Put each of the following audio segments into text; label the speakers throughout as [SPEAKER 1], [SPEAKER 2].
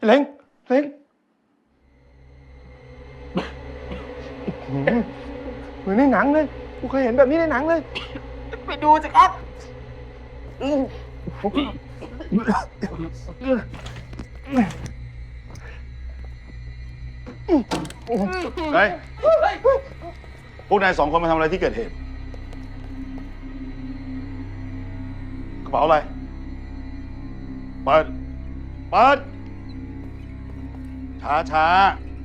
[SPEAKER 1] เล้งเหมือนในหนังเลยกูเคยเห็นแบบนี้ในหนังเลยไปดูสิครับ
[SPEAKER 2] เฮ้ยพวกนาย2 คนมาทำอะไรที่เกิดเหตุกระเป๋าอะไรเปิดช้า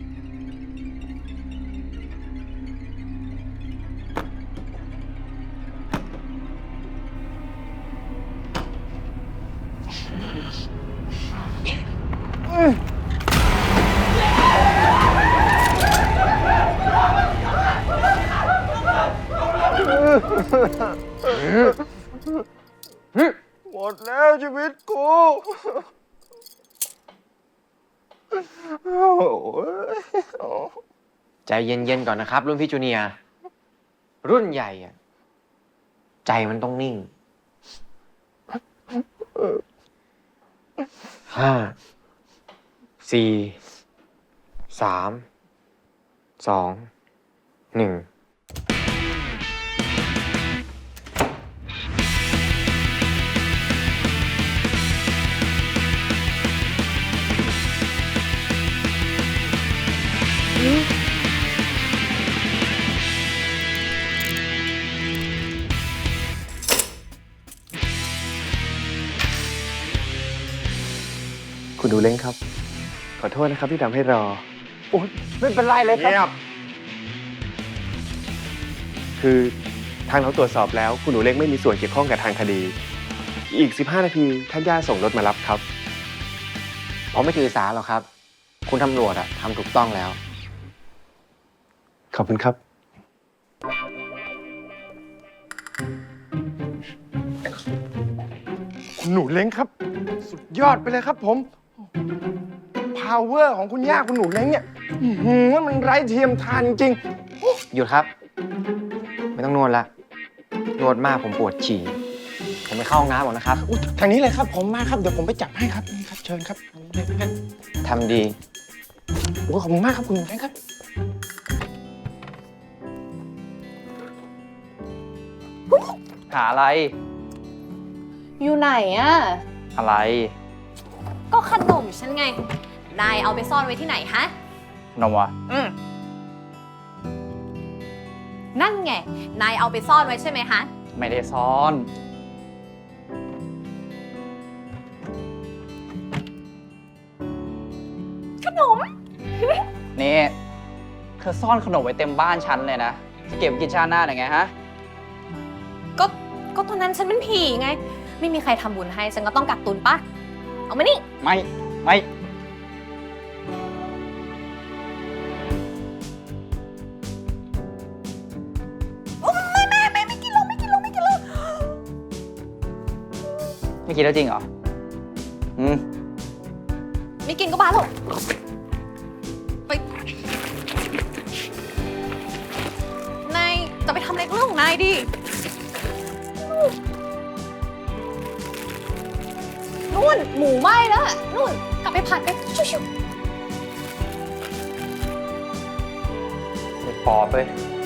[SPEAKER 1] หมดแล้วชีวิตกู
[SPEAKER 3] ใจเย็นๆก่อนนะครับรุ่นพี่จูเนียร์รุ่นใหญ่อะใจมันต้องนิ่ง 5 4 3 2 1
[SPEAKER 1] คุณดูเล้งครับขอโทษนะครับที่ทำให้รอโอ้ยไม่เป็นไรเลย
[SPEAKER 2] ๆ
[SPEAKER 1] ครับ
[SPEAKER 2] เงียบ
[SPEAKER 1] คือทางเราตรวจสอบแล้วคุณหนูเล้งไม่มีส่วนเกี่ยวข้องกับทางคดี อีก 15 นาทีท่านย่าส่งรถมารับครับ
[SPEAKER 3] ผมไม่ถือสาหรอกครับ คุณตำรวจอะทำถูกต้องแล้ว
[SPEAKER 1] ขอบคุณครับ คุณหนูเล้งครับ สุดยอดไปเลยครับผม power ของคุณย่าคุณหนูเล้งเนี่ยมันไร้เทียมทานจริง
[SPEAKER 3] หยุดครับ ไม่ต้องนวดละนวดมากผมปวดฉี่ผมไปเข้าห้องน้ำก่อนนะครับ
[SPEAKER 1] ๆอุ๊ยทางนี้เลยครับผมมาครับเดี๋ยวผมไปจับให้ครับนี่ครับเชิญครับ
[SPEAKER 3] ทำดี
[SPEAKER 1] โอ้ยขอบคุณมากครับคุณหนูเล้งครับ
[SPEAKER 4] หาอะไร
[SPEAKER 5] อยู่ไหนอะ
[SPEAKER 4] อะไร
[SPEAKER 5] ก็ขนมฉันไง นายเอาไปซ่อนไว้ที่ไหนฮะ
[SPEAKER 4] นมวะ
[SPEAKER 5] นั่นไง นายเอาไปซ่อนไว้ใช่ไหมฮะ
[SPEAKER 4] ไม่ได้ซ่อน
[SPEAKER 5] ขนม
[SPEAKER 4] นี่เธอซ่อนขนมไว้เต็มบ้านฉันเลยนะ จะเก็บกินชาติหน้าได้ไงฮะ
[SPEAKER 5] ก็ตอนนั้นฉันเป็นผีไง ไม่มีใครทำบุญให้ ฉันก็ต้องกักตุนปะ เอามานี่
[SPEAKER 4] ไม่
[SPEAKER 5] ไม่กินแล้ว
[SPEAKER 4] ไม่กินแล้วจริงเหรอ
[SPEAKER 5] ไม่กินก็บ้าหรอกไป นายจะไปทำอะไรก็เรื่องของนายดิ นู่นหมูไหม้แล้วอะนู่น กลับไปผัดไปชิว
[SPEAKER 4] ไอ้ปอบเลย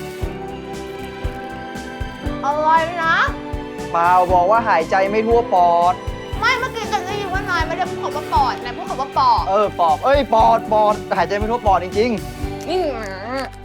[SPEAKER 5] ๆอะไรนะ
[SPEAKER 4] เปล่าบอกว่าหายใจไม่ทั่วปอด
[SPEAKER 5] ไม่เมื่อกี้จะได้ยินว่านายไม่ได้พูดคำว่าปอดนายพูดคำว่าปอด
[SPEAKER 4] ปอบ ปอด หายใจไม่ทั่วปอดจริง
[SPEAKER 5] นี่